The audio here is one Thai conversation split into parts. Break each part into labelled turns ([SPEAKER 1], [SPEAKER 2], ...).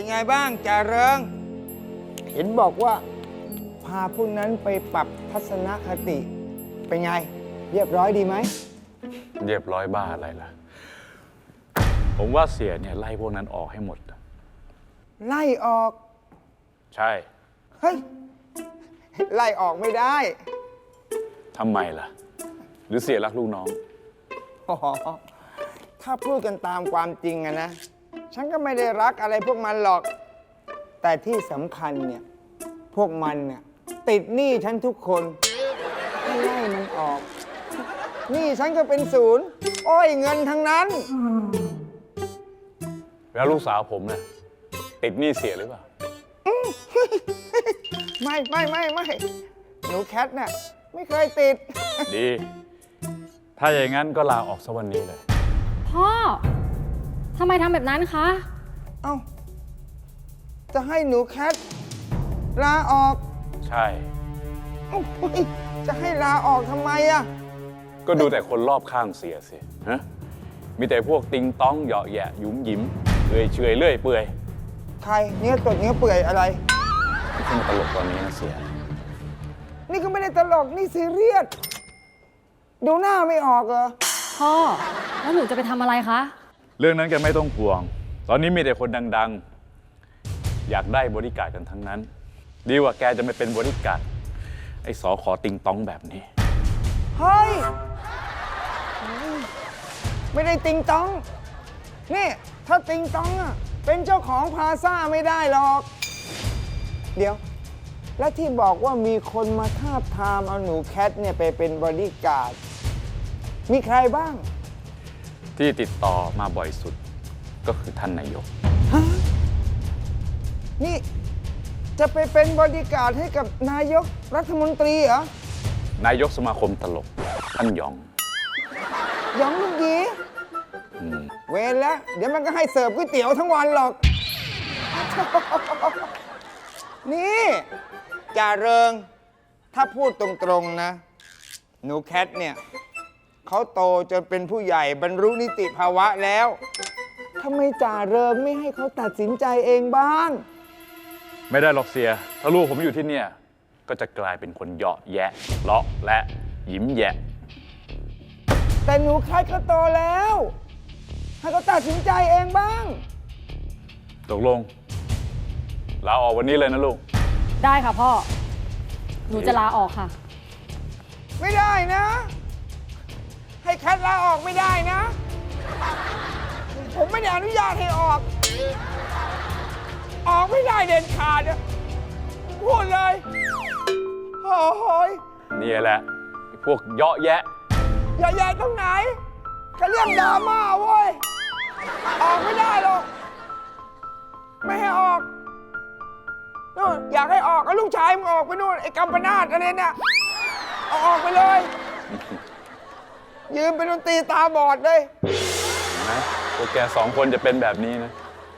[SPEAKER 1] เป็นไงบ้างจ่าเริงเห็นบอกว่าพาพวกนั้นไปปรับทัศนคติเป็นไงเรียบร้อยดีไหม
[SPEAKER 2] เรียบร้อยบ้าอะไรล่ะผมว่าเสียเนี่ยไล่พวกนั้นออกให้หมด
[SPEAKER 1] ไล่ออก
[SPEAKER 2] ใช่
[SPEAKER 1] เฮ้ยไล่ออกไม่ได้
[SPEAKER 2] ทำไมล่ะหรือเสียรักลูกน้อง
[SPEAKER 1] อ๋อถ้าพูดกันตามความจริงอะนะฉันก็ไม่ได้รักอะไรพวกมันหรอกแต่ที่สำคัญเนี่ยพวกมันเนี่ยติดหนี้ฉันทุกคนให้ไล่มันออกหนี้ฉันก็เป็นศูนย์โอ้ยเงินทั้งนั้น
[SPEAKER 2] แล้วลูกสาวผมเนี่ยติดหนี้เสียหรือเปล่า
[SPEAKER 1] ไม่หนูแคทน่ะไม่เคยติด
[SPEAKER 2] ดีถ้าอย่างนั้นก็ลาออกสักวันนี้เลย
[SPEAKER 3] พ่อทำไมทำแบบนั้นคะ
[SPEAKER 1] เอ้าจะให้หนูแคทลาออก
[SPEAKER 2] ใช่
[SPEAKER 1] จะให้ลาออกทำไมอะ
[SPEAKER 2] ก็ดูแต่คนรอบข้างเสียสิฮะมีแต่พวกติงต้องเหยาะแยะยุ้มยิ้มเฉยเลื่อยเปื่อย
[SPEAKER 1] ใครเนื้อตดเนื้อเปื่อยอะไร
[SPEAKER 2] ไม่ใช่มาตลกตอนนี้นะเสีย
[SPEAKER 1] นี่ก็ไม่ได้ตลกนี่ซีเรียสดูหน้าไม่ออกเหรอ
[SPEAKER 3] พ่อแล้วหนูจะไปทำอะไรคะ
[SPEAKER 2] เรื่องนั้นแกไม่ต้องห่วงตอนนี้มีแต่คนดังๆอยากได้บริการกันทั้งนั้นดีกว่าแกจะไม่เป็นบริการไอ้สอขอติงต้องแบบนี้
[SPEAKER 1] เฮ้ยไม่ได้ติงต้องนี่ถ้าติงต้องอ่ะเป็นเจ้าของพลาซ่าไม่ได้หรอกเดี๋ยวและที่บอกว่ามีคนมาทาบทามเอาหนูแคทเนี่ยไปเป็นบอดี้การ์ดมีใครบ้าง
[SPEAKER 2] ที่ติดต่อมาบ่อยสุดก็คือท่านนายก
[SPEAKER 1] ฮะนี่จะไปเป็นบอดี้การ์ดให้กับนายกรัฐมนตรีเหรอน
[SPEAKER 2] ายกสมาคมตลกท่านหยอง
[SPEAKER 1] ลูกหยีเวรแล้วเดี๋ยวมันก็ให้เสิร์ฟก๋วยเตี๋ยวทั้งวันหรอกนี่จ่าเริงถ้าพูดตรงๆนะหนูแคทเนี่ยเขาโตจนเป็นผู้ใหญ่บรรลุนิติภาวะแล้วทำไมจ่าเริงไม่ให้เขาตัดสินใจเองบ้าง
[SPEAKER 2] ไม่ได้หรอกเสียถ้าลูกผมอยู่ที่เนี่ยก็จะกลายเป็นคนเหยาะแยะเลาะและยิ้มแยะ
[SPEAKER 1] แต่หนูแคทก็โตแล้วให้เขาตัดสินใจเองบ้าง
[SPEAKER 2] ตกลงลาออกวันนี้เลยนะลูก
[SPEAKER 3] ได้ค่ะพ่อหนูจะลาออกค่ะ
[SPEAKER 1] ไม่ได้นะให้แคทลาออกไม่ได้นะผมไม่ได้อนุญาตให้ออกไม่ได้เด็ดขาดพูดเลยโอ้ย
[SPEAKER 2] นี่แหละพวกเหยาะแยะ
[SPEAKER 1] ตรงไหนเขาเรียกดราม่าเว้ยออกไม่ได้หรอกไม่ให้ออกนู่นอยากให้ออกเอาลูกชายมึงออกไปนู่นไอ้กัมปนาทอะไรเนี่ยเอาออกไปเลยยืมเป็นดนตรีตาบอดเลย
[SPEAKER 2] นะพวกแกสองคนจะเป็นแบบนี้นะ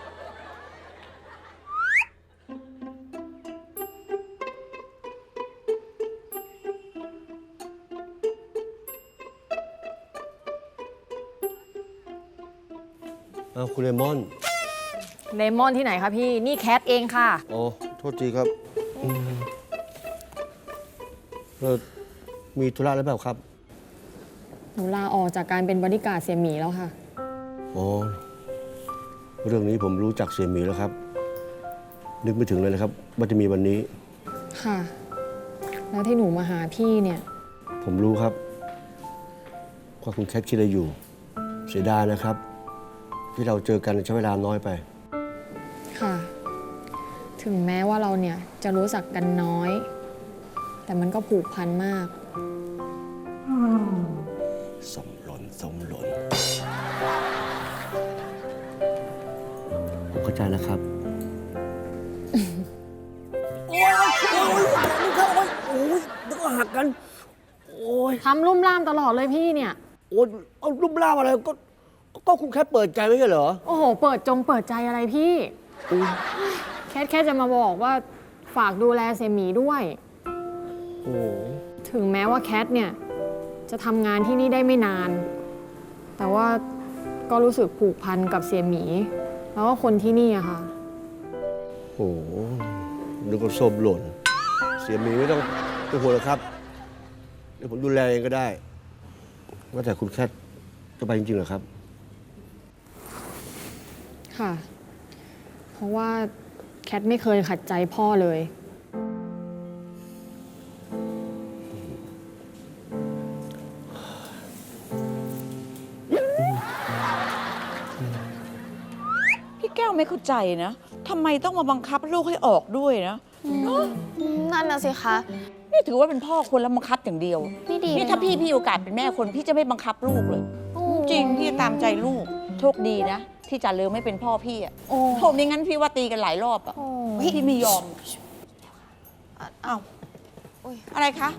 [SPEAKER 4] คุณเลมอน
[SPEAKER 3] ที่ไหนคะพี่นี่แคทเองค่ะ
[SPEAKER 4] โอ้โทษทีครับมีธุระอะไรเปล่าครับ
[SPEAKER 3] หนูลาออกจากการเป็นบอดี้การ์ดเสี่ยหมีแล้วค่ะ
[SPEAKER 4] อ๋อเรื่องนี้ผมรู้จักเสี่ยหมีแล้วครับนึกไม่ถึงเลยนะครับว่าจะมีวันนี้
[SPEAKER 3] ค่ะแล้วที่หนูมาหาพี่เนี่ย
[SPEAKER 4] ผมรู้ครับว่าคุณแคทคิดอะไรอยู่เสียดายนะครับที่เราเจอกันใช้เวลาน้อยไป
[SPEAKER 3] ค่ะถึงแม้ว่าเราเนี่ยจะรู้จักกันน้อยแต่มันก็ผูกพันมาก
[SPEAKER 4] สมหล่นผมเข้าใจแล้วครับ
[SPEAKER 1] โอ้ยเดี๋ยวก็หักกันโอ้ย
[SPEAKER 3] ทำลุ่มล่ามตลอดเลยพี่เนี่ย
[SPEAKER 1] โอ้ยเอาลุ่มล่ามอะไรก็คุณแค่เปิดใจไม่ใช่เหรอ
[SPEAKER 3] โอ้โหเปิดใจอะไรพี่แค่จะมาบอกว่าฝากดูแลเสี่ยหมีด้วย
[SPEAKER 1] โอ้
[SPEAKER 3] ถึงแม้ว่าแคทเนี่ยจะทำงานที่นี่ได้ไม่นานแต่ว่าก็รู้สึกผูกพันกับเสี่ยหมีแล้วก็คนที่นี่อะค่ะ
[SPEAKER 4] โอ้โหนึกว่าส้มหล่น เสียหมีไม่ต้องห่วงหรอกครับ เดี๋ยวผมดูแลเองก็ได้ ว่าแต่คุณแคทจะไปจริงๆเหรอครับ
[SPEAKER 3] ค่ะ เพราะว่าแคทไม่เคยขัดใจพ่อเลย
[SPEAKER 5] พี่แก้วไม่เข้าใจนะทำไมต้องมาบังคับลูกให้ออกด้วยนะ
[SPEAKER 6] นั่นน่ะสิคะ
[SPEAKER 5] นี่ถือว่าเป็นพ่อคนแล้วบังคับอย่างเดียว
[SPEAKER 6] ไม่ดี
[SPEAKER 5] นี่ถ้าพี่มีโอกาสเป็นแม่คนพี่จะไม่บังคับลูกเลย จริงพี่จะตามใจลูกโชคดีนะที่จ่าเลือไม่เป็นพ่อพี่อ่ะ
[SPEAKER 6] โอ้
[SPEAKER 5] โหไม่งั้นพี่ว่าตีกันหลายรอบอ่ะ
[SPEAKER 6] โอ้
[SPEAKER 5] พี่ไม่ยอมอ้าว
[SPEAKER 6] อุ๊ย
[SPEAKER 5] อะไรคะ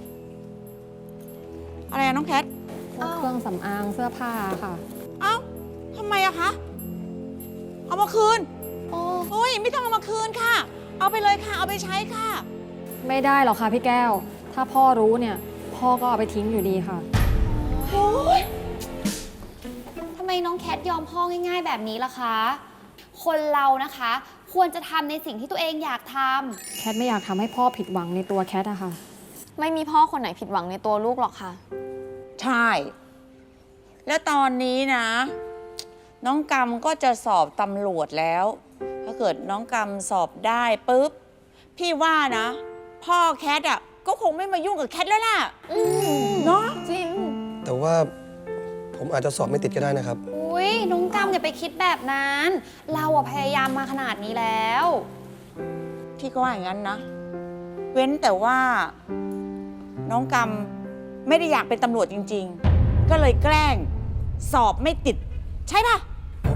[SPEAKER 5] อะไรอะน้องแคท
[SPEAKER 3] พวกเครื่องสำอางเสื้อผ้าค่ะ
[SPEAKER 5] เอ้าทำไมอะคะเอามาคืน
[SPEAKER 6] โอ้
[SPEAKER 5] โอ้ยไม่ต้องเอามาคืนค่ะ เอาไปเลยค่ะเอาไปใช้ค่ะ
[SPEAKER 3] ไม่ได้หรอกค่ะพี่แก้ว ถ้าพ่อรู้เนี่ย พ่อก็เอาไปทิ้งอยู่ดีค่ะ
[SPEAKER 5] โอ้ย
[SPEAKER 6] ทำไมน้องแคทยอมพ่อง่ายๆแบบนี้ล่ะคะ คนเรานะคะ ควรจะทำในสิ่งที่ตัวเองอยากท
[SPEAKER 3] แคทไม่อยากทำให้พ่อผิดหวังในตัวแคทอะค่ะ
[SPEAKER 6] ไม่มีพ่อคนไหนผิดหวังในตัวลูกหรอกค่ะ
[SPEAKER 5] ใช่ แล้วตอนนี้นะ น้องกำก็จะสอบตำรวจแล้ว ถ้าเกิดน้องกำสอบได้ปุ๊บ พี่ว่านะ พ่อแคทอ่ะก็คงไม่มายุ่งกับแคทแล้วล่ะเนาะ
[SPEAKER 6] จริง
[SPEAKER 7] แต่ว่าผมอาจจะสอบไม่ติดก็ได้นะครับ
[SPEAKER 6] อุ้ยน้องกำอย่าไปคิดแบบนั้น เราอะพยายามมาขนาดนี้แล้ว
[SPEAKER 5] พี่ก็ว่าอย่างนั้นนะ เว้นแต่ว่า น้องกำไม่ได้อยากเป็นตำรวจจริง ๆ ก็เลยแกล้งสอบไม่ติด ใช่ป่ะ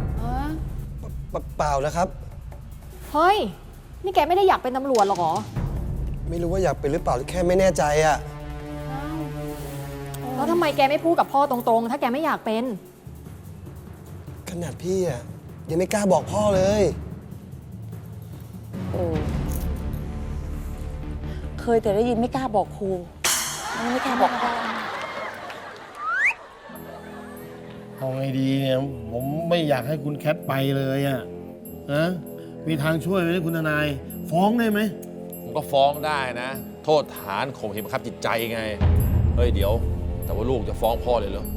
[SPEAKER 7] เปล่านะครับ
[SPEAKER 3] เฮ้ย นี่แกไม่ได้อยากเป็นตำรวจหรอกเหรอ
[SPEAKER 7] ไม่รู้ว่าอยากเป็นหรือเปล่าแค่ไม่แน่ใจอะ
[SPEAKER 3] แล้วทำไมแกไม่พูดกับพ่อตรงๆ ถ้าแกไม่อยากเป็น
[SPEAKER 7] ขนาดพี่อะยังไม่กล้าบอกพ่อเลย
[SPEAKER 5] โอ้เคยแต่ได้ยินไม่กล้าบอกครูไม่กล้าบอกพ่อ
[SPEAKER 8] เอาไงดีเนี่ย ผมไม่อยากให้คุณแคทไปเลยอะนะมีทางช่วยไหมคุณทนาย ฟ้องได้ไหม
[SPEAKER 9] ผมก็ฟ้องได้นะ โทษฐานข่มเหงบังคับจิตใจไง เฮ้ยเดี๋ยว แต่ว่าลูกจะฟ้องพ่อเลยเหรอ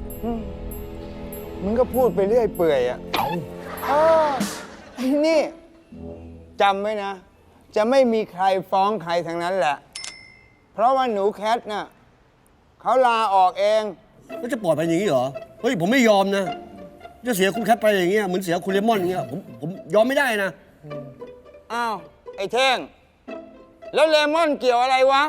[SPEAKER 1] มึงก็พูดไปเรื่อยเปื่อยอ่ะไอ้นี่จำไว้นะ จะไม่มีใครฟ้องใครทั้งนั้นแหละ เพราะว่าหนูแคทน่ะเขาลาออกเอง
[SPEAKER 4] แล้วจะปล่อยไปอย่างนี้เหรอ เฮ้ย ผมไม่ยอมนะ จะเสียคุณแคทไปอย่างเงี้ย เหมือนเสียคุณเลมอนอย่างเงี้ย ผมยอมไม่ได้นะ
[SPEAKER 1] อ้าว ไอ้เท่ง แล้วเลมอนเกี่ยวอะไรวะ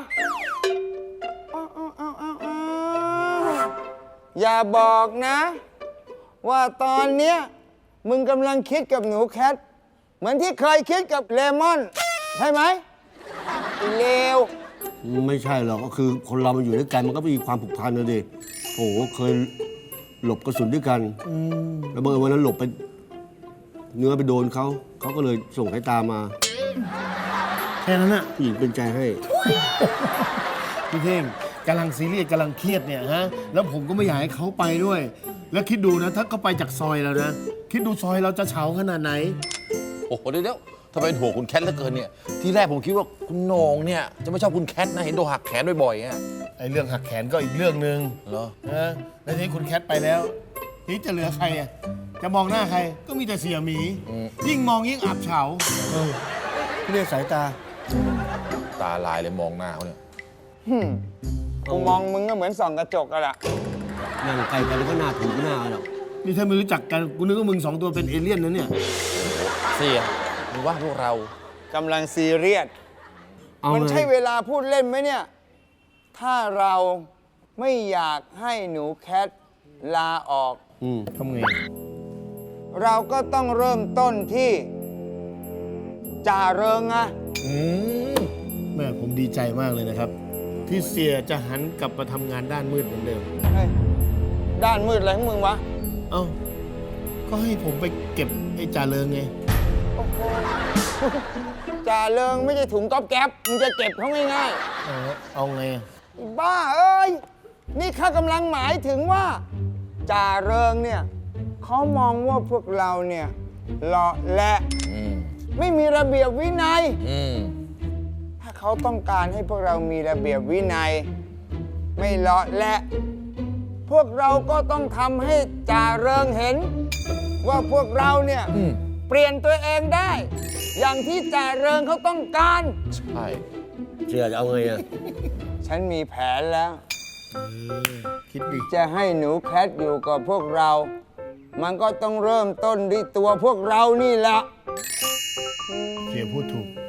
[SPEAKER 1] อ้าวอย่าบอกนะ ว่าตอนเนี้ยมึงกำลังคิดกับหนูแคท เหมือนที่เคยคิดกับเลมอน ใช่ไหมไอ้เลว
[SPEAKER 4] ไม่ใช่หรอก ก็คือคนเรามันอยู่ด้วยกันมันก็มีความผูกพันนะดิโอ้โหเคยหลบกระสุนด้วยกัน แล้วบังเอิญวันนั้นหลบไป เนื้อไปโดนเขาก็เลยส่งสายตามา
[SPEAKER 8] แค่นั้นอะ
[SPEAKER 4] ผู้หญิงเป็นใจให้
[SPEAKER 8] พี่เท่งกำลังซีเรียสกำลังเครียดเนี่ยฮะ แล้วผมก็ไม่อยากให้เขาไปด้วย แล้วคิดดูนะ ถ้าเขาไปจากซอยเรานะ คิดดูซอยเราจะเฉาขนาดไหน
[SPEAKER 9] โอ้โหเดี๋ยวทำไมเป็นห่วงคุณแคทเหลือเกินเนี่ย ที่แรกผมคิดว่าคุณโหน่งเนี่ยจะไม่ชอบคุณแคทนะ เห็นโดนหักแขนบ่อยๆอ่ะ
[SPEAKER 8] ไอ้เรื่องหักแขนก็อีกเรื่องหนึ่ง
[SPEAKER 9] เหรอ
[SPEAKER 8] นะแล้วทีนี้คุณแคทไปแล้วทีนี้จะเหลือใครอะจะมองหน้าใคร ก็มีแต่เสียหมี ยิ่งมองยิ่งอับเฉา
[SPEAKER 4] เรียกสายตา
[SPEAKER 9] ตาลายเลยมองหน้าเขาเนี่ย
[SPEAKER 1] กูมองมึงก็เหมือนส่องกระจกอะล่ะ
[SPEAKER 4] นั่งไกลกันแล้วก็หน้าถูหน้าหรอก
[SPEAKER 8] นี่ถ้าไม่รู้จักกันกูนึกว่ามึงสองตัวเป็นเอเลี่ยนนะเนี่ย
[SPEAKER 9] เสียหรือว่าพวกเรา
[SPEAKER 1] กำลังซีเรียส
[SPEAKER 4] เอา
[SPEAKER 1] มัน
[SPEAKER 4] ไง
[SPEAKER 1] ใช่เวลาพูดเล่นไหมเนี่ย ถ้าเราไม่อยากให้หนูแคทลาออก
[SPEAKER 8] ทำไง
[SPEAKER 1] เราก็ต้องเริ่มต้นที่จ่าเริงอะ
[SPEAKER 8] แม่ผมดีใจมากเลยนะครับ ที่เสียจะหันกลับมาทำงานด้านมืดเหมือนเดิม
[SPEAKER 1] เฮ้ยด้านมืดอะไรของมึงวะ
[SPEAKER 8] เอ้า ก็ให้ผมไปเก็บไอ้จ่าเริงไง
[SPEAKER 1] จ่าเริงไม่ใช่ถุงก๊อบแก๊บมึงจะเก็บเขาง่าย
[SPEAKER 8] เอาไงอะ
[SPEAKER 1] ๆบ้าเอ้ย นี่ข้ากำลังหมายถึงว่าจ่าเริงเนี่ยเขามองว่าพวกเราเนี่ยเลาะและไม่มีระเบียบวินัย
[SPEAKER 9] อืม
[SPEAKER 1] ถ้าเขาต้องการให้พวกเรามีระเบียบวินัย ไม่เลาะและ พวกเราก็ต้องทำให้จ่าเริงเห็น ว่าพวกเราเนี่ยเปลี่ยนตัวเองได้ อย่างที่จ่าเริงเขาต้องการ
[SPEAKER 9] ใช่
[SPEAKER 4] เชื่อจะเอาไงอ่ะ
[SPEAKER 1] ฉันมีแผนแล้ว
[SPEAKER 8] คิดดี
[SPEAKER 1] จะให้หนูแคทอยู่กับพวกเรา มันก็ต้องเริ่มต้นด้วยตัวพวกเรานี่แหละ
[SPEAKER 8] เสียพูดถูก